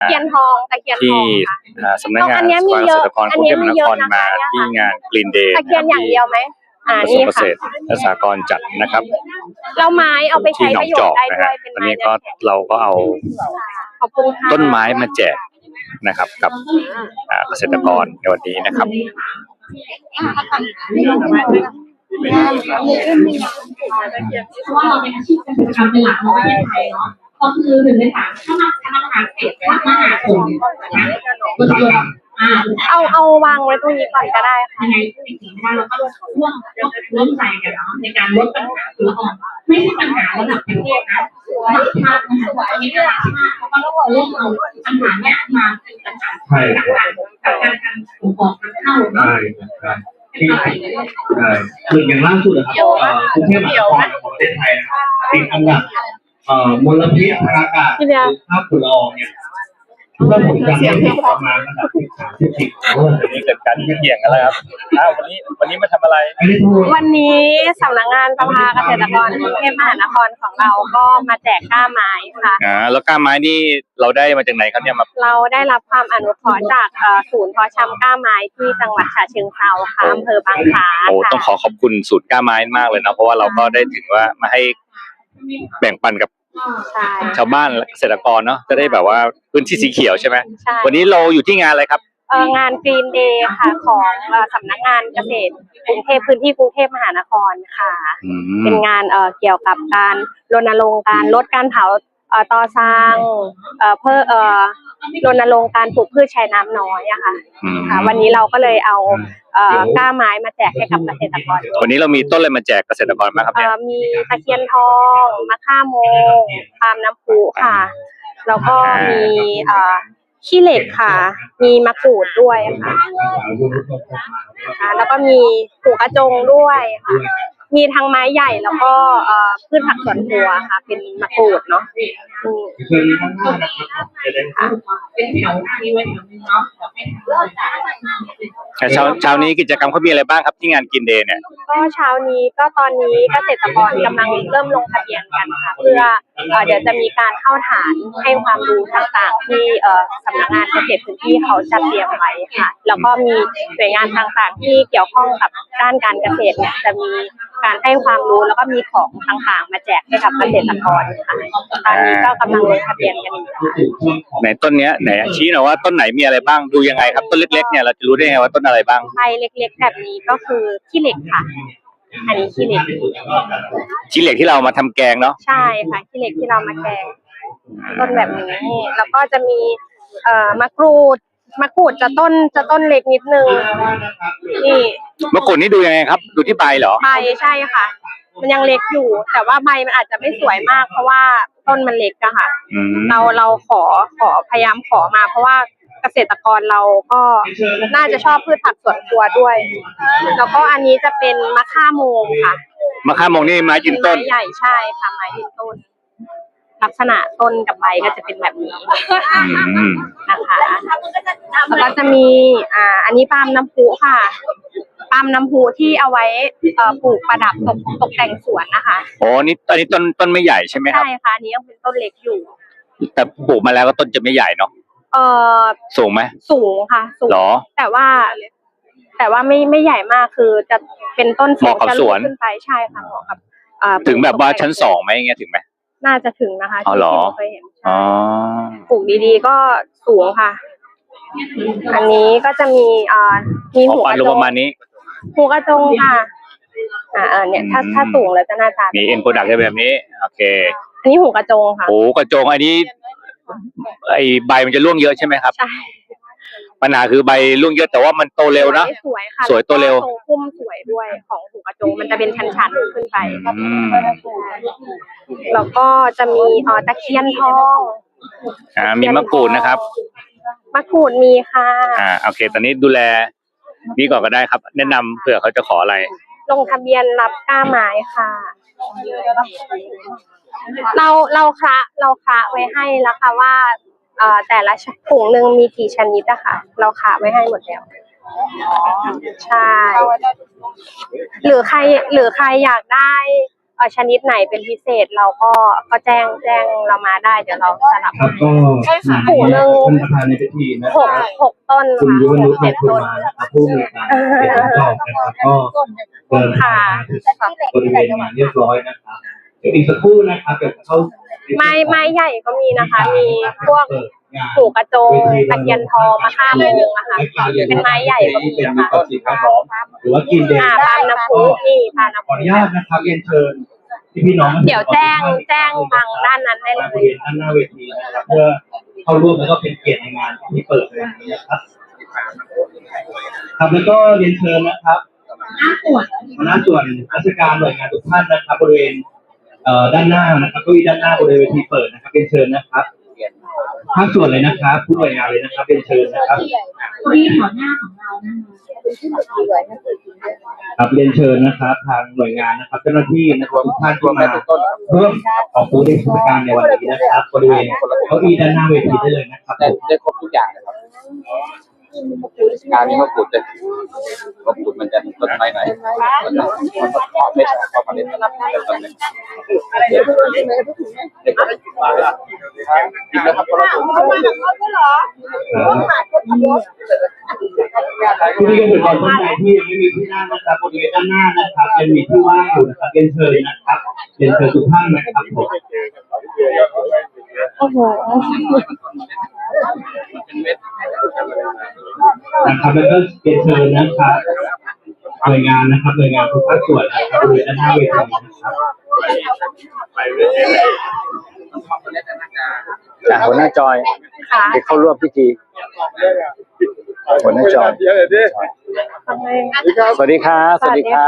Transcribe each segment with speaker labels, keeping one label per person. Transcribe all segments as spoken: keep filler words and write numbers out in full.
Speaker 1: เทียนทองตะเคียนท
Speaker 2: ที่
Speaker 1: องค่ะ
Speaker 2: สำนักงาน
Speaker 1: อันนี้มี
Speaker 2: เก
Speaker 1: เย
Speaker 2: ษ
Speaker 1: อะ
Speaker 2: ตรกร
Speaker 1: อั
Speaker 2: ก
Speaker 1: น
Speaker 2: รุง
Speaker 1: นี้
Speaker 2: เทพม
Speaker 1: มี
Speaker 2: หาน
Speaker 1: เย
Speaker 2: ค
Speaker 1: อะ
Speaker 2: ร
Speaker 1: นะคะ
Speaker 2: มา
Speaker 1: เนี่ย
Speaker 2: ที่
Speaker 1: ค่ะ
Speaker 2: งานกรีนเดย์
Speaker 1: ตะเคียนอย่างเดียวไหมอ่าก
Speaker 2: ระทรว
Speaker 1: นี่
Speaker 2: งเกษ
Speaker 1: ค่ะ
Speaker 2: ตรและสหกรณ์จัดนะครับ
Speaker 1: เราไม้เอาไปใช้
Speaker 2: ที่หนอ
Speaker 1: ป
Speaker 2: ง
Speaker 1: ระโย
Speaker 2: จ
Speaker 1: ช
Speaker 2: อ
Speaker 1: น์
Speaker 2: ก
Speaker 1: ได้
Speaker 2: นะ
Speaker 1: ด้ว
Speaker 2: ฮะ
Speaker 1: ยเป็น
Speaker 2: อัน
Speaker 1: ไม้
Speaker 2: นี้
Speaker 1: เนื้
Speaker 2: ก็
Speaker 1: อแข็ง
Speaker 2: เราก็เอา
Speaker 1: ขอบคุณค่ะ
Speaker 2: ต้นไม้มาแจกนะครับกับเกษตรกรในวันนี้นะครับ
Speaker 3: เพราะว่าเราเป็นอาชีพเกษตรกรรมเป็นหลักของประเทศไทยเนาะก็คือหนึ่งในสามถ้ามาถ้ามาหาเศษถ้ามาหาผลนะก็คืออ่า
Speaker 1: เอาเอาวางไว้ตรงนี้ก่อนก็ได้ค่ะ
Speaker 3: ยังไงก็เป็นสิ่งที่เราก็ร่วมร่วมใจกันเนาะในการลดปัญหาฝุ่นละอองไม่ใช่ปัญหาระดับประเทศนะระดับชาตินะคะตอนนี้ระดับชาติเขาก็เริ่มเอาปัญหาเนี้ยมาเป็นปัญหาจากการจากการการส่งออกการเข้าเนาะ
Speaker 4: ใช่ใช่คืออย่างล่าสุดนะครับกรุงเทพมหานครของประเทศไทยนะครับติดอันดับมลพิษทางอากาศภาพฝุ่นละอองเนี่ยเมื่อผมจำไม่ผิดประมาณระดับที่สามที่สี่ของโลก
Speaker 2: วันนี้เกิดการเกี่ยงกันแล้วครับอ้าววันนี้วันนี้มาทำอะไร
Speaker 1: วันนี้สำนักงานสภาเกษตรกรกรุงเทพมหานครของเราก็มาแจกกล้าไม้ค่ะ
Speaker 2: อ่าแล้วก้าไม้นี่เราได้มาจากไหนครับเนี่ยมา
Speaker 1: เราได้รับความอนุเคราะห์จากเอ่อศูนย์เพาะชำกล้าไม้ที่จังหวัดฉะเชิงเทราค่ะอำเภอบางคล้า
Speaker 2: โอ้
Speaker 1: ค่ะ
Speaker 2: ต้องขอขอบคุณสูตรก้าไม้มากเลยนะเพราะว่าเราก็ได้ถึงว่ามาให้แบ่งปันกับ
Speaker 1: ใช่
Speaker 2: ชาวบ้านและเกษตรกรเนาะจะได้แบบว่าพื้นที่สีเขียวใช่ไหม
Speaker 1: ใช่
Speaker 2: วันนี้เราอยู่ที่งานอะไรครับ
Speaker 1: เอ่องานกรีนเดย์ค่ะของเอ่อสำนักงานเกษตรกรุงเทพพื้นที่กรุงเทพมหานครค่ะ
Speaker 2: อืม
Speaker 1: เป็นงานเอ่อเกี่ยวกับการรณรงค์การลดการเผาเอ่อตอซางเอ่อเพื่อเอ่อรณรงค์การปลูกพืชใช้น้ำน้อยอะค่ะ
Speaker 2: อืม
Speaker 1: ค่ะ วันนี้เราก็เลยเอาเอ่อกล้าไม้มาแจกให้กับเกษตรกร
Speaker 2: วันนี้เรามีต้นอะไรมาแจกเกษตรกรบ้างครับ
Speaker 1: เอ่
Speaker 2: เนี่ย
Speaker 1: อมีตะเคียนทองมะข่าโมงปาล์มน้ำพุค่ะ แล้วก็มีเอ่อขี้เหล็กค่ะ มีมะกรูดด้วยค่ะค่ะ แล้วก็มีหูกระจงด้วยค่ะ มีทั้งไม้ใหญ่แล้วก็เอ่อพืชผักสวนครัวค่ะ เป็นมะกรูดเนาะอืม
Speaker 4: คือข้างหน้านะครับจะได้
Speaker 3: เป็นแถวหน้านี้ไว้แถวนึงเนาะเดี๋ยวไม่ทัน
Speaker 2: เช้าเช้านี้กิจกรรมเขามีอะไรบ้างครับที่งานกินเดย์เนี่ย
Speaker 1: ก็เช้านี้ก็ตอนนี้เกษตรกรกำลังเริ่มลงทะเบียนกันค่ะ เพื่อเอ่อเดี๋ยวจะมีการเข้าฐานให้ความรู้ต่างๆ ที่เอ่อสำนักงานเกษตรพื้นที่เขาจัดเตรียมไว้ค่ะ แล้วก็มีหน่วยงานต่างๆ ที่เกี่ยวข้องกับด้านการเกษตรเนี่ยจะมีการให้ความรู้แล้วก็มีของต่างๆ มาแจกให้กับเกษตรกรค่ะตอนนี้ก็กำลังลงทะเบียนกันอยู่ค่ะ
Speaker 2: ไหนต้นเนี้ยไหนชี้หน่อยว่าต้นไหนมีอะไรบ้างดูยังไงครับต้นเล็กๆเนี่ยเราจะรู้ได้ไงว่าต้นอะไรบ้าง
Speaker 1: ใบเล็กๆแบบนี้ก็คือขี้เหล็กค่ะ อันนี้ขี้เหล็ก
Speaker 2: ชิ้นเหล็กที่เรามาทำแกงเนาะ
Speaker 1: ใช่ค่ะขี้เหล็กที่เรามาแกงต้นแบบนี้แล้วก็จะมีเอ่อมะกรูดมะกรูดจะต้นจะต้นเล็กนิดนึงนี่
Speaker 2: มะกรูดนี่ดูยังไงครับ ดูที่ใบเหรอ
Speaker 1: ใบใช่ค่ะ มันยังเล็กอยู่ แต่ว่าใบมันอาจจะไม่สวยมาก เพราะว่าต้นมันเล็กอะค่ะ
Speaker 2: อืม
Speaker 1: เราเราขอขอพยายามขอมา เพราะว่าเกษตรกรเราก็น่าจะชอบพืชผักสวนครัวด้วย แล้วก็อันนี้จะเป็นมะข่าโมงค่ะ
Speaker 2: มะข่าโมงนี่ไม้ยืนต้น
Speaker 1: ไม้ใหญ่ใช่ค่ะไม้ยืนต้น ลักษณะต้นกับใบก็จะเป็นแบบนี้
Speaker 2: อืม
Speaker 1: นะคะแล้วก็จะมีอ่าอันนี้ปาล์มน้ำพุค่ะปาล์มน้ำพุที่เอาไว้เอ่อปลูกประดับตกตกแต่งสวนนะคะ
Speaker 2: โอ้นี่ตอนนี้ต้นต้นไม่ใหญ่ใช่ไหมครับ
Speaker 1: ใช่ค่ะอันนี้ยังเป็นต้นเล็กอยู่
Speaker 2: แต่ปลูกมาแล้วก็ต้นจะไม่ใหญ่เนาะ
Speaker 1: เอ่อ
Speaker 2: สูงไหม
Speaker 1: สูงค่ะสูง
Speaker 2: หรอ
Speaker 1: แต่ว่า แต่ว่าไม่ไม่ใหญ่มากคือจะเป็นต้น
Speaker 2: เหมาะกับ
Speaker 1: จะ
Speaker 2: สวน
Speaker 1: ขึ้นไปใช่ค่ะเหมาะกับอ่า
Speaker 2: ถึงแบบว่าชั้นสองไหมอย่างเงี้ยถึงไหม
Speaker 1: น่าจะถึงนะคะ
Speaker 2: อ๋อเหรอ
Speaker 1: ที่เคยเห็น
Speaker 2: อ๋อ
Speaker 1: ปลูกดีๆก็สูงค่ะ อันนี้ก็จะมีอ่ามี
Speaker 2: ขอ
Speaker 1: หัว
Speaker 2: ปั
Speaker 1: ก
Speaker 2: น
Speaker 1: ระ
Speaker 2: รู
Speaker 1: จ
Speaker 2: ป
Speaker 1: ง
Speaker 2: ประมาณนี้
Speaker 1: หัวกระจงค่ะ อ่าเออเนี่ยถ้า
Speaker 2: อืม
Speaker 1: ถ้าสูงแล้วจะหน้าตา
Speaker 2: มีเอ็นโปรดักต์ได้แบบนี้ โอเค
Speaker 1: อันนี้หัวกระจงค่ะ
Speaker 2: โอ้กระโจงอันนี้ไอใบมันจะร่วงเยอะใช่ไหมครับ
Speaker 1: ใช่
Speaker 2: ปัญหาคือใบร่วงเยอะแต่ว่ามันโตเร็วนะ
Speaker 1: สวยค่ะ
Speaker 2: สวยตัวเร็ว
Speaker 1: แล้ก็ทรงพุ่มสวยด้วยของหัวกระจงมันจะเป็นชั้นๆขึ้นไป
Speaker 2: อืม
Speaker 1: แล้วก็จะมีเอ่อตะเคียนทอง
Speaker 2: อ่ามีมะกรูดนะครับ
Speaker 1: มะกรูดมีค่ะ
Speaker 2: อ่าโอเค ตอนนี้ดูแลนี่ก่อนก็ได้ครับ แนะนำเผื่อเขาจะขออะไร
Speaker 1: ลงทะเบียนรับกล้าไม้ค่ะ เราเราคะเราคะไว้ให้แล้วค่ะว่าเอ่อแต่ละถุงหนึ่งมีกี่ชนิดอะค่ะ เราคะไว้ให้หมดแล้วใช่ หรือใครหรือใครอยากได้อชนิดไหนเป็นพิเศษเราก็ก็แจ้งแจ้งเรามาได้เดี๋ยวเราสลับ
Speaker 4: ครับก็
Speaker 1: ปลูกหนึ่ง
Speaker 4: ท่านประธานในพิธีนะ
Speaker 1: ห
Speaker 4: ค
Speaker 1: ก
Speaker 4: รับ
Speaker 1: หกต้น
Speaker 4: คุณ
Speaker 1: ค่ะ
Speaker 4: ยุว
Speaker 1: ห
Speaker 4: นุ
Speaker 1: ก
Speaker 4: ช
Speaker 1: เจ็ด
Speaker 4: คุณ
Speaker 1: ต้น
Speaker 4: มานะครับผู้มีการเขียนตอบนะครับก็เดินทางมาถึงบริเวณงานเรียบร้อยนะครับเดี๋ยวอีกสักครู่นะครับเดี๋ยวเข้า
Speaker 1: ไม้ไม้ใหญ่ก็มีนะคะ มีพวกผูกกระจงตะเคียนทองมาข้ามหนึ่งอะค่ะเป็นไม้ใหญ่ก็มี
Speaker 4: เป็น
Speaker 1: ค่ะ
Speaker 4: ต่อสิ่งแวดล้อมหรือว่ากินเดน
Speaker 1: อ่าปาล์มน้ำพุนี่ปาล์มน้ำ
Speaker 4: ขอ
Speaker 1: พุ
Speaker 4: อนุญาตนะครับเรียนเชิญที่พี่น้อง
Speaker 1: เดี๋ยวแจ้งแจ้งทางด้านนั้นได้เล
Speaker 4: บริ
Speaker 1: ย
Speaker 4: เวณด้านหน้าเวทีนะครับเพื่อเข้าร่วมแล้วก็เป็นเกียรติในงานที่เปิดในวันนี้นะครับครับแล้วก็เรียนเชิญนะครับ
Speaker 3: หน้าส่วน
Speaker 4: หัวหน้าส่วนราชการหน่วยงานทุกท่านนะครับบริเวณเอ่อด้านหน้านะครับเก็มีด้านหน้าบริเวณเวทีเปิดนะครับเรียนเชิญนะครับภาคส่วนเลยนะครับผู้หน่วยงานเลยนะครับเรียนเชิญนะครับ
Speaker 3: ที่หัวหน้าของเรานะคะ
Speaker 4: ครับเรียนเชิญนะครับทางหน่วยงานนะครับเจ้าหน้าที่นะครับทุกท่านที่มาร่วมออกบูธในกิจกรรมในวันนี้นะครับบริเวณเก้าอี้ด้านหน้าเวทีได้เลยนะครับ
Speaker 5: ได้ได้ครบทุกอย่างนะครับการนี้มะกรูดเลยมะกรูดมันจะต้นไม้ไหนมันจะมันก็ขอเม็ดขอเมล็ดนะครับแต่ต้นเล็กเด็กเด็กมาเลยกินแล้วครับเรา
Speaker 4: ที่นี่ก็เป็นบอลต้นไม้ที่ยังไม่มีที่นั่งนะครับบริเวณด้านหน้านะครับยังมีที่ว่างอยู่นะครับเรียนเชิญนะครับเรียนเชิญทุกท่านนะครับผม
Speaker 1: โอ้โห
Speaker 5: เป็นเม็ด
Speaker 4: นะครับแล้วก็เรียนเชิญนะครับหน่วยงานนะครับหน่วยงานทุกภาคส่วนนะครับบริเวณด้านหน้าเวทีนะครับ
Speaker 2: อ่ะหัวหน้าจอย
Speaker 1: ค่ะ
Speaker 2: ไปเข้าร่วมพิธีหัวหน้าจอย สวัสดีครับ สวัสดีครับ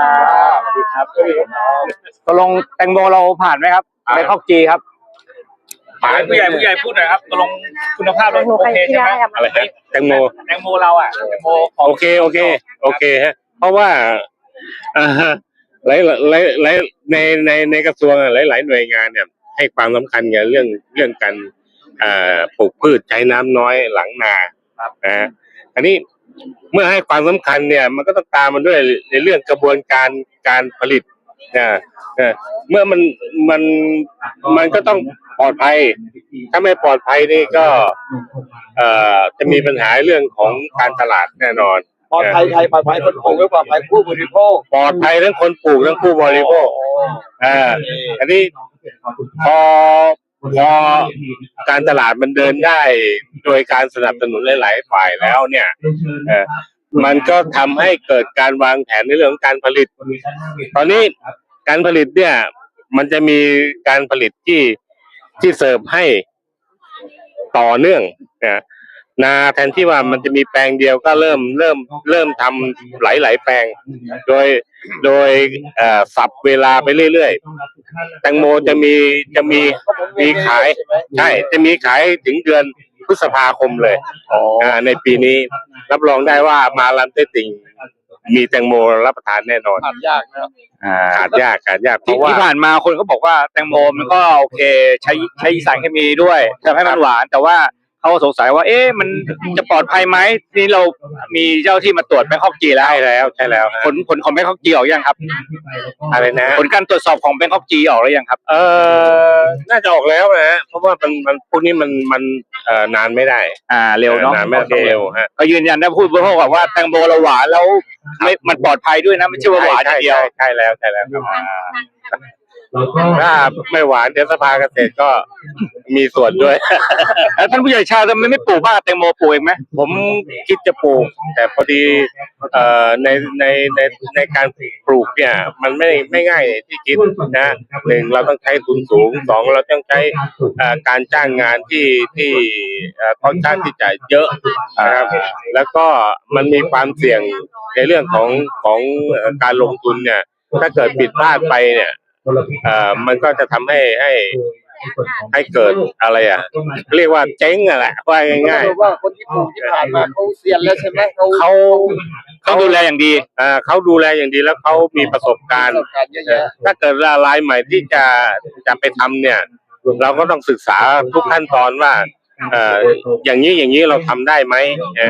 Speaker 2: สวัสดีครับตกลงแตงโมเราผ่านไหมครับในข้อจีครับ
Speaker 6: หมายผู้ใหญ่ผู้ใหญ่พูดหน่อยครับตกลงคุณภาพเรา
Speaker 1: หนู
Speaker 6: โอ
Speaker 1: ใคร
Speaker 6: เค
Speaker 1: ที่
Speaker 6: ใช่ไหม
Speaker 1: ได้อะ
Speaker 7: อะไรฮะแตงโม
Speaker 6: แตงโมเราอ่ะแตงโมของ
Speaker 7: โอเคโอเคโอเคฮะเพราะว่าอ่าหลายหลายหลายในในในกระทรวงหลายหลายหน่วยงานเนี่ยให้ความสำคัญกับเรื่องเรื่องการอ่าปลูกพืชใช้น้ำน้อยหลังนานะฮะอันนี้เมื่อให้ความสำคัญเนี่ย มันก็ต้องตามมาด้วยในเรื่องกระบวนการการผลิตนะนะเมื่อมันมันมันก็ต้องปลอดภัย ถ้าไม่ปลอดภัยนี่ก็เอ่อจะมีปัญหาเรื่องของการตลาดแน่นอน
Speaker 5: ปลอดภัยไทยปลอดภัยคนปลูกและปลอดภัยผู้บริโภค
Speaker 7: ปลอดภัยทั้งคนปลูกทั้งผู้บริโภคอ่าอันนี้พอพอการตลาดมันเดินได้โดยการสนับสนุนหลายๆฝ่ายแล้วเนี่ยเอ่อมันก็ทำให้เกิดการวางแผนในเรื่องของการผลิต ตอนนี้การผลิตเนี่ย มันจะมีการผลิตที่ที่เสิร์ฟให้ต่อเนื่องนะนาแทนที่ว่ามันจะมีแปลงเดียวก็เริ่มเริ่มเริ่มทำหลายๆแปลง โดยโดยเอ่อสับเวลาไปเรื่อยๆแตงโมจะมีจะมีมีขายใช่จะมีขายถึงเดือนพฤษภาคมเลยอ่าในปีนี้รับรองได้ว่ามาลันเตติ่งมีแตงโมรับประทานแน่นอน
Speaker 5: ทำยากนะครับ
Speaker 2: อ่า
Speaker 7: ขาดยากขาดยากเพ
Speaker 2: ที่
Speaker 7: ราะว่า
Speaker 2: ที่ผ่านมาคนก็บอกว่าแตงโมมันก็โอเค ใช้ใช้สารเคมีด้วยทำให้มันหวาน แต่ว่าเขาสงสัยว่า เอ๊ะมันจะปลอดภัยไหมทีนี้เรามีเจ้าที่มาตรวจแบงคอกจีแล้ว
Speaker 7: ใช่แล้วใช่แล้วฮะ
Speaker 2: ผลผลของแบงคอกจีออกยังครับ
Speaker 7: อะไรนะ
Speaker 2: ผลการตรวจสอบของแบงคอกจีออกแล้วยังครับ
Speaker 7: เออน่าจะออกแล้วนะเพราะว่ามันมันพวกนี้มันมันเอ่อนานไม่ได้
Speaker 2: อ่าเร็วเนาะ
Speaker 7: นานไม่ได้ต้องเร็วฮะ
Speaker 2: ก็ยืนยันได้พูดบริโภคว่าแตงโมเราหวานแล้วไม่มันปลอดภัยด้วยนะไม่ใช่ว่าหวานอย่างเดียว
Speaker 7: ใช่ใช่แล้วใช่แล้วครับ
Speaker 4: แล้วก็
Speaker 7: ถ้าไม่หวานเดี๋ยวสภาเกษตรก็มีส่วนด้วย
Speaker 2: แล้วท่านผู้ใหญ่ชาติทำไมไม่ปลูกบ้างแตงโมปลูกเองไหม
Speaker 7: ผมคิดจะปลูก แต่พอดีเอ่อในในในในการปลูกเนี่ย มันไม่ไม่ง่ายที่คิดนะหนึ่งเราต้องใช้ทุนสูงสองเราต้องใช้เอ่อการจ้างงานที่ที่เอ่อค่อนข้างที่จะเยอะนะครับแล้วก็มันมีความเสี่ยงในเรื่องของของเอ่อการลงทุนเนี่ย ถ้าเกิดผิดพลาดไปเนี่ยเอ่อมันก็จะทำให้ให้ให้เกิดอะไรอ่ะ เรียกว่าเจ๊งอ่ะแหละว่าง่าย
Speaker 5: สรุปว่าคนที่ปลูกที่ผ่านมาเขาเซียนแล้วใช่ไหมเขา
Speaker 7: ๆเขา
Speaker 2: ต้องดูแลอย่างดี
Speaker 7: อ่าเขาดูแลอย่างดีแล้วเขามีประสบการณ์
Speaker 5: ประสบการณ์เยอะแยะ
Speaker 7: ถ้าเกิดรายใหม่ที่จะจะไปทำเนี่ย เราก็ต้องศึกษาทุกขั้นตอนว่าเอ่ออย่างนี้อย่างนี้เราทำได้ไหมเอ่อ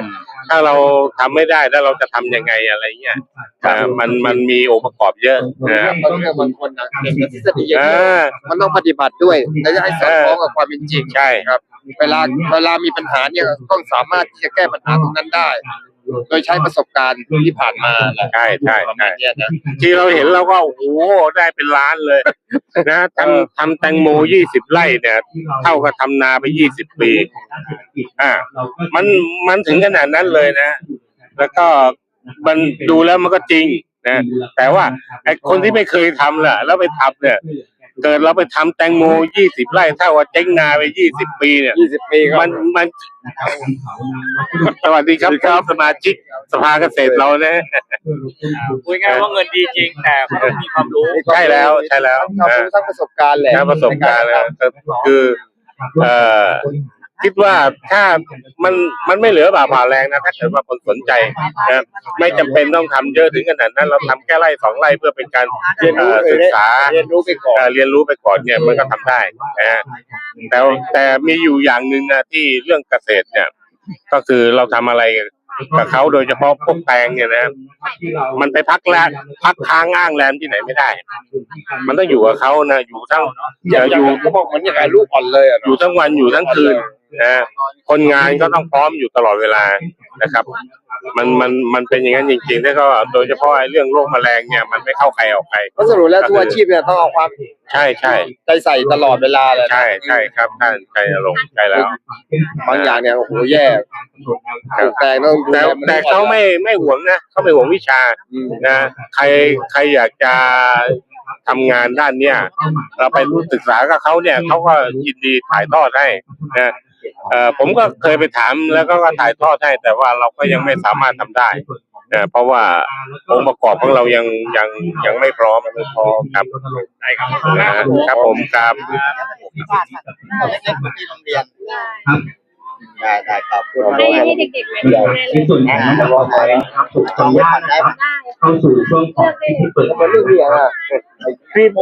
Speaker 7: ถ้าเราทำไม่ได้แล้วเราจะทำยังไงอะไรเงี้ยอ่ามันมันมีองค์ประกอบเยอะนะครับ
Speaker 5: บางเรื่องบางคนนะเก่งกับทฤษฎีอย่าง
Speaker 7: อ่
Speaker 5: เดียว
Speaker 7: า
Speaker 5: มันต้องปฏิบัติด้วยและจะให้สอดคล้องกับความเป็นจริง
Speaker 7: ใช่
Speaker 5: ครับ เวลาเวลามีปัญหาเนี่ยต้องสามารถที่จะแก้ปัญหาตรงนั้นได้ โดยใช้ประสบการณ์ที่ผ่านมาแหละ
Speaker 7: ใช่ใช่
Speaker 5: ประ
Speaker 7: ใช่
Speaker 5: มาณเนี้ยนะ
Speaker 7: ที่เราเห็นเราก็โอ้โหได้เป็นล้านเลย นะทำทำแตงโมยี่สิบไร่เนี่ย เท่ากับทำนาไปยี่สิบปี อ่า มันมันถึงขนาดนั้นเลยนะ แล้วก็มันดูแล้วมันก็จริงนะแต่ว่าไอ้คนที่ไม่เคยทำล่ะ แล้วไปทำเนี่ย เกิดเราไปทำแตงโมยี่สิบไร่เท่ากับเจ๊งนาไปยี่สิบปีเนี่ย
Speaker 5: ยี่สิบปีครับ
Speaker 7: มันมันสวัสดีครับครับสมาชิกสภาเกษตรเรานะ
Speaker 6: คุยง่ายว่าเงินดีจริงแต่เขาต้องมีความรู้
Speaker 7: ใช่แล้วใช่แล้ว
Speaker 5: ทั้งความรู้ทั้งประสบการณ์แหละ
Speaker 7: นะประสบการณ์แล้วคือ เอ่อคิดว่าถ้ามันมันไม่เหลือบาปผ่าแรงนะถ้าเกิดว่าคนสนใจนะไม่จำเป็นต้องทำเยอะถึงขนาดนั้น เราทำแค่ไร่สองไร่เพื่อเป็นการ
Speaker 5: เรียนรู้
Speaker 7: เอ่อศึกษา
Speaker 5: เรียนรู้ไปก่อน
Speaker 7: เอ่อเรียนรู้ไปก่อนเนี่ยมันก็ทำได้นะฮะแต่แต่มีอยู่อย่างหนึ่งนะที่เรื่องเกษตรเนี่ย ก็คือเราทำอะไรกับเขาโดยเฉพาะพวกแตงเนี่ยนะมันไปพักแรมพักค้างอ้างแรมที่ไหนไม่ได้ มันต้องอยู่กับเขานะอยู่ทั้ง
Speaker 5: อย่าง
Speaker 7: อ
Speaker 5: อย่าง
Speaker 7: ยู่
Speaker 5: เขาบอกเหมือนอย่างไรลูกอ่อนเลยอ่ะ
Speaker 7: อยู่ทั้งวันอยู่ทั้งคืนนะคนงานก็ต้องพร้อมอยู่ตลอดเวลานะครับ มันมันมันเป็นอย่างนั้นจริงๆแล้วก็โดยเฉพาะไอ้เรื่องโรคแมลงเนี่ยมันไม่เข้าใครออกใคร
Speaker 5: ก็สรุปแล้วทุกอาชีพเนี่ยต้องเอาความ
Speaker 7: ใช่ใช่
Speaker 5: ใจใส่ตลอดเวลาเลยนะ
Speaker 7: ใช่ใช่ครับท่านใจลงใจแล้ว
Speaker 5: บางอย่างเนี่ยโอ้โหแย่ปลูกแตงต้องดู
Speaker 7: แต่
Speaker 5: แลน
Speaker 7: แต่เขาไม่ไม่หวงนะเขาไม่หวงวิชา
Speaker 5: อืม
Speaker 7: นะใครใครอยากจะทำงานด้านเนี้ยเราไปรู้ศึกษากับเขาเนี่ยเขาก็ยินดีถ่ายทอดให้นะเอ่อผมก็เคยไปถามแล้วก็ถ่ายทอดให้แต่ว่าเราก็ยังไม่สามารถทำได้นะเพราะว่าองค์ประกอบของเรายังยังยังไม่พร้อมไม่พร้อมครับได้ครับครับผมครับ
Speaker 5: ที่โรงเรียนได้ได้ครับคุณ
Speaker 1: ให้ให้เด็กๆมาดูได้เล
Speaker 4: ใน
Speaker 1: ย
Speaker 4: ส่วนของน้ำร้อนครับถูกขออนุญาตนะครับเข้าสู่ช่วงของที่เปิด
Speaker 5: มันเรื่องเรียนอ่ะ